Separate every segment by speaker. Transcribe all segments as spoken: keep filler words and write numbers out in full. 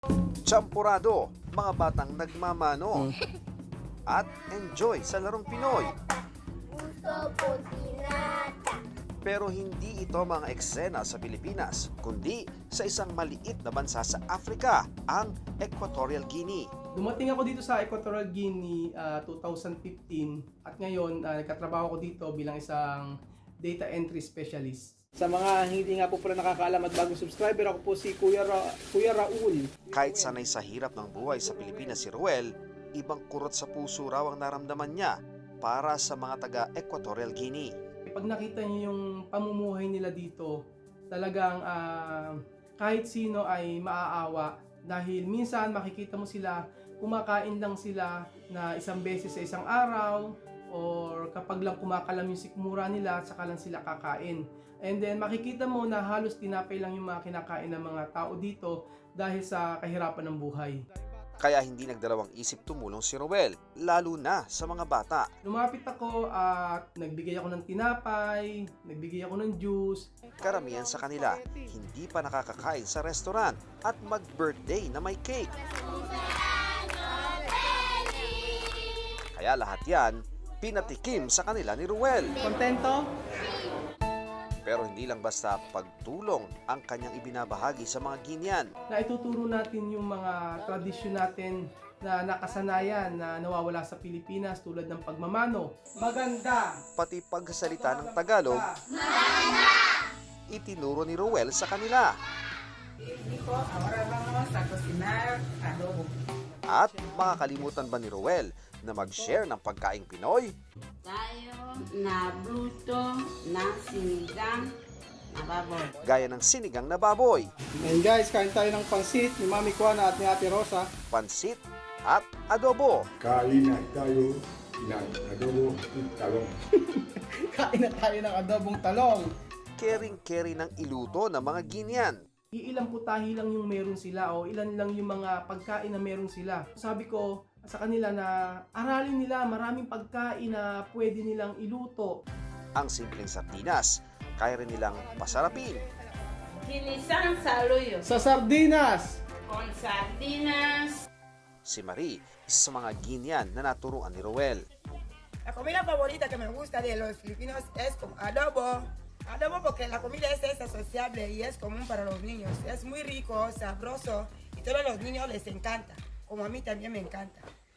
Speaker 1: Champurado, mga batang nagmamano at enjoy sa larong Pinoy.
Speaker 2: Gusto ko tinata.
Speaker 1: Pero hindi ito mga eksena sa Pilipinas, kundi sa isang maliit na bansa sa Africa, ang Equatorial Guinea.
Speaker 3: Dumating ako dito sa Equatorial Guinea uh, two thousand fifteen at ngayon uh, nagkatrabaho ko dito bilang isang data entry specialist. Sa mga hindi nga po pala nakakaalam at bagong subscriber, ako po si Kuya, Ra Kuya Raul.
Speaker 1: Kahit sanay sa hirap ng buhay sa Pilipinas si Ruel, ibang kurot sa puso raw ang naramdaman niya para sa mga taga-Equatorial Guinea.
Speaker 3: Pag nakita niyo yung pamumuhay nila dito, talagang uh, kahit sino ay maaawa dahil minsan makikita mo sila, kumakain lang sila na isang beses sa isang araw or kapag lang kumakalam yung sikmura nila, saka lang sila kakain. And then makikita mo na halos tinapay lang yung mga kinakain ng mga tao dito dahil sa kahirapan ng buhay.
Speaker 1: Kaya hindi nagdalawang isip tumulong si Ruel, lalo na sa mga bata.
Speaker 3: Lumapit ako at nagbigay ako ng tinapay, nagbigay ako ng juice.
Speaker 1: Karamihan sa kanila, hindi pa nakakakain sa restaurant at mag-birthday na may cake. Kaya lahat yan, pinatikim sa kanila ni Ruel.
Speaker 3: Kontento?
Speaker 1: Pero hindi lang basta pagtulong ang kanyang ibinabahagi sa mga Guinean.
Speaker 3: Na ituturo natin yung mga tradisyon natin na nakasanayan na nawawala sa Pilipinas tulad ng pagmamano. Maganda!
Speaker 1: Pati pagsasalita ng Tagalog, itinuro ni Ruel sa kanila.
Speaker 4: Dijo, ahora vamos a cocinar adobo.
Speaker 1: At makakalimutan ba ni Ruel na mag-share ng pagkaing Pinoy?
Speaker 5: Tayo na bruto na sinigang na baboy.
Speaker 1: Gaya ng sinigang na baboy,
Speaker 3: Ngayon guys, kain tayo ng pansit ni Mami Kuana at ni Ate Rosa.
Speaker 1: pansit at adobo.
Speaker 6: Kain na tayo ng adobo talong.
Speaker 3: Kain na tayo ng adobong talong.
Speaker 1: Kering-keri ng iluto ng mga Guinean.
Speaker 3: Iilang putahe lang yung meron sila o ilan lang yung mga pagkain na meron sila. Sabi ko sa kanila na aralin nila maraming pagkain na pwede nilang iluto.
Speaker 1: Ang simpleng sardinas, kaya rin nilang pasarapin.
Speaker 5: Ginisang saluyo
Speaker 3: Sa sardinas!
Speaker 5: con sardinas.
Speaker 1: Si Marie, isa sa mga Guinean na naturuan ni Ruel.
Speaker 4: La comida favorita que me gusta de los filipinos es con adobo. Adobo porque la comida esta es sociable y es común para los niños. Es muy rico, sabroso y todos los niños les encanta. Como a mí también me encanta.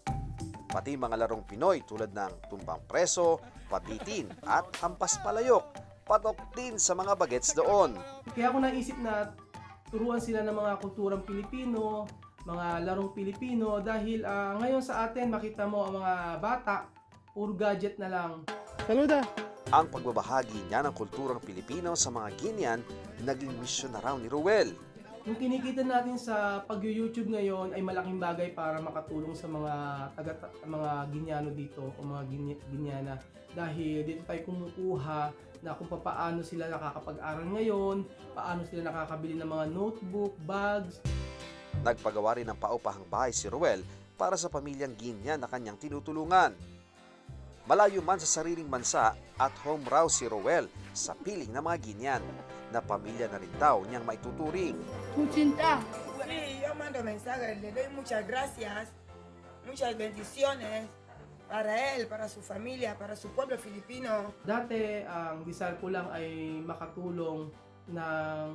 Speaker 1: Pati mga larong Pinoy tulad ng tumbang preso, pabitin at hampas palayok, patok din sa mga bagets doon.
Speaker 3: Kaya ako naisip na turuan sila ng mga kulturang Pilipino, mga larong Pilipino dahil ah, ngayon sa atin makita mo ang mga bata, puro gadget na lang. Saluda!
Speaker 1: Ang pagbabahagi niya ng kulturang Pilipino sa mga Guinean, naging misyon na raw ni Ruel.
Speaker 3: Yung kinikita natin sa pag-YouTube ngayon ay malaking bagay para makatulong sa mga taga mga Ginyano dito o mga Ginyana dahil dito tayo kumukuha na kung paano sila nakakapag-aral ngayon, paano sila nakakabili ng mga notebook, bags.
Speaker 1: Nagpagawa rin ng paupahang bahay si Ruel para sa pamilyang Guinean na kanyang tinutulungan. Malayo man sa sariling bansa, at home raw si Ruel sa piling ng mga Guinean na pamilya na rin daw niyang maituturing.
Speaker 2: Kuchinta.
Speaker 4: Sí, yo mando mensajes, le doy muchas gracias, muchas bendiciones para él, para su familia, para su pueblo filipino.
Speaker 3: Dati ang desire ko lang ay makatulong ng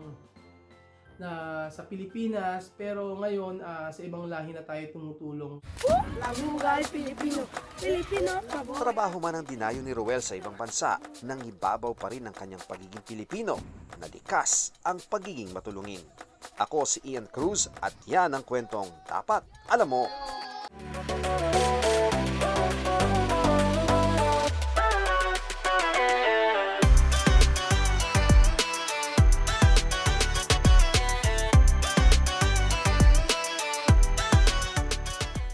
Speaker 3: na sa Pilipinas pero ngayon ah, sa ibang lahi na tayo tumutulong.
Speaker 2: Labuhay Pilipino. Pilipino.
Speaker 1: Trabaho man ang dinayo ni Ruel sa ibang bansa, nang ibabaw pa rin ang kanyang pagiging Pilipino, na likas ang pagiging matulungin. Ako si Ian Cruz at yan ang kwentong dapat alam mo.